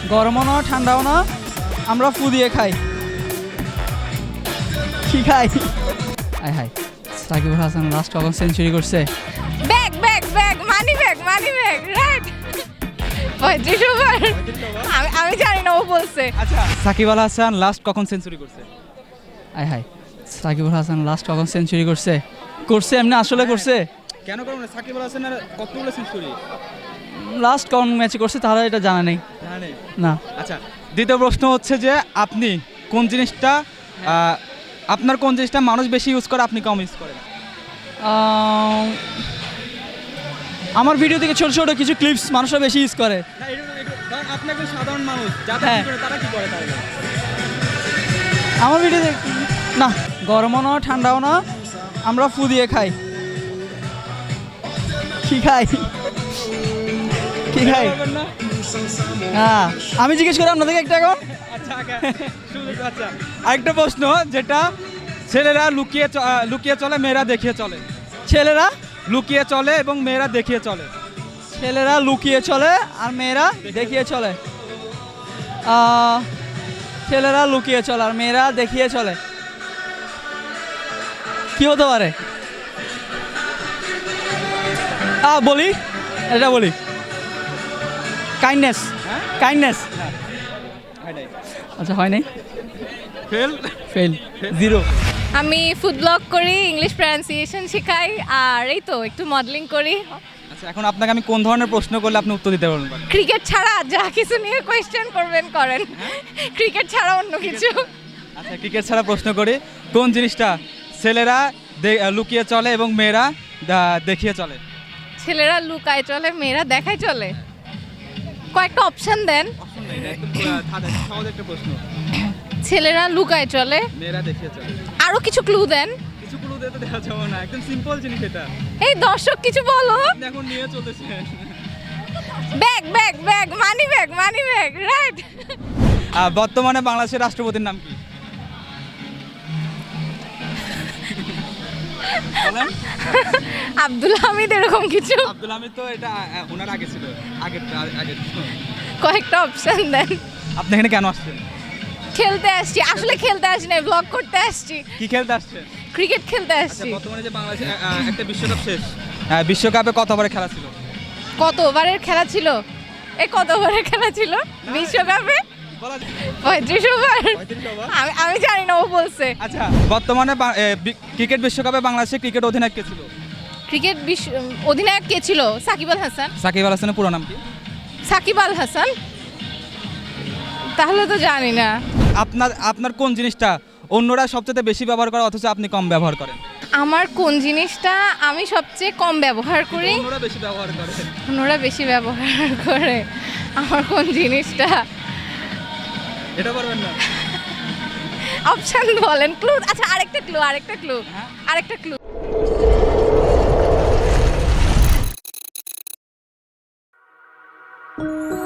গরমও না ঠান্ডাও না, আমরা ফু দিয়ে খাই। কি খাই? আয় হাই, সাকিব আল হাসান লাস্ট কখন সেঞ্চুরি করছে? Bag bag bag money bag right 35 over. আমি জানি না, ও বলছে। আচ্ছা, সাকিব আল হাসান লাস্ট কখন সেঞ্চুরি করছে? আয় হাই, সাকিব আল হাসান লাস্ট কখন সেঞ্চুরি করছে? করছে এমনি আসলে করছে? কেন করবো না? সাকিব আল হাসানের কতগুলো সেঞ্চুরি? লাস্ট কোন ম্যাচে করছে তাহলে এটা জানা নেই জানেন না। আচ্ছা, দ্বিতীয় প্রশ্ন হচ্ছে যে আপনি কোন জিনিসটা আপনার কোন জিনিসটা মানুষ বেশি ইউজ করে, আপনি কম ইউজ করেন? আমার ভিডিও থেকে ছোট ছোট কিছু ক্লিপস মানুষরা বেশি ইউজ করে। না, আপনি একজন সাধারণ মানুষ, যারা হ্যাঁ। কি করে তারা কি করে তাহলে? আমার ভিডিও না, গরমও না ঠান্ডাও না, আমরা ফু দিয়ে খাই। কি খাই? কি খাই? পারবেন না? হ্যাঁ, আমি জিজ্ঞেস করি আপনাদেরকে একটা এখন। আচ্ছা, আচ্ছা, আরেকটা প্রশ্ন, যেটা ছেলেরা লুকিয়ে চলে, মেয়েরা দেখিয়ে চলে। ছেলেরা লুকিয়ে চলে এবং মেয়েরা দেখিয়ে চলে। ছেলেরা লুকিয়ে চলে আর মেয়েরা দেখিয়ে চলে। ছেলেরা লুকিয়ে চলে আর মেয়েরা দেখিয়ে চলে। কি হতে পারে? বলি, এটা বলি, কাইন্ডনেস। হ্যাঁ? কাইন্ডনেস। আচ্ছা, হয় নাই, ফেল। ফেল, 0। আমি ফুড ব্লগ করি, ইংলিশ প্রনাউন্সিয়েশন শেখাই, আর এই তো একটু মডেলিং করি। আচ্ছা, এখন আপনাকে আমি কোন ধরনের প্রশ্ন করলে আপনি উত্তর দিতে পারবেন? ক্রিকেট ছাড়া যা কিছু নিয়ে কোয়েশ্চেন করবেন করেন, ক্রিকেট ছাড়া অন্য কিছু। আচ্ছা, ক্রিকেট ছাড়া প্রশ্ন করি, কোন জিনিসটা ছেলেরা লুকিয়ে চলে এবং মেয়েরা দেখিয়ে চলে? ছেলেরা লুকায় চলে, মেয়েরা দেখায় চলে। কয়েকটা অপশন দেন। সহজ একটা প্রশ্ন। ছেলেরা লুকায় চলে, মেয়েরা দেখিয়ে চলে। আরো কিছু ক্লু দেন। কিছু ক্লু দিতে দেওয়া যাবে না, একদম সিম্পল জিনিস এটা। এই দর্শক কিছু বলো। আপনি এখন নিয়ে চলেছেন। Bag bag bag money bag right. বর্তমানে বাংলাদেশের রাষ্ট্রপতির নাম কি? বলেন। আব্দুল হামিদ, এরকম কিছু। আব্দুল হামিদ তো এটা ওনার আগে ছিল, আগে। কয়েকটা অপশন দেন। আপনি এখানে কেন আসছেন? খেলতে আসছি, আসলে খেলতে আসছি না, ব্লগ করতে আসছি। কি খেলতে আসছেন? ক্রিকেট খেলতে আচ্ছা, আসছি। বর্তমানে যে বাংলাদেশে একটা বিশ্বকাপ শেষ, বিশ্বকাপে কতবারের খেলা ছিল? কত ওভারের খেলা ছিল? কত ওভারের খেলা ছিল বিশ্বকাপে? 35 ওভার। আমি জানি না, ও বলছে। আচ্ছা, বর্তমানে ক্রিকেট বিশ্বকাপে বাংলাদেশের ক্রিকেট অধিনায়ক কে ছিল? ক্রিকেট অধিনায়ক কে ছিল? সাকিব আল হাসান। সাকিব আল হাসানের পুরো নাম কি? সাকিব আল হাসান। তাহলে তো জানি না। আপনার কোন জিনিসটা অন্যরা সবচেয়ে বেশি ব্যবহার করে অথচ আপনি কম ব্যবহার করেন? আমার কোন জিনিসটা আমি সবচেয়ে কম ব্যবহার করি? অন্যরা বেশি ব্যবহার করে। অন্যরা বেশি ব্যবহার করে। আমার কোন জিনিসটা? এটা পারবেন না? অপশন বলেন, ক্লু। আচ্ছা, আরেকটা ক্লু। হ্যাঁ? আরেকটা ক্লু।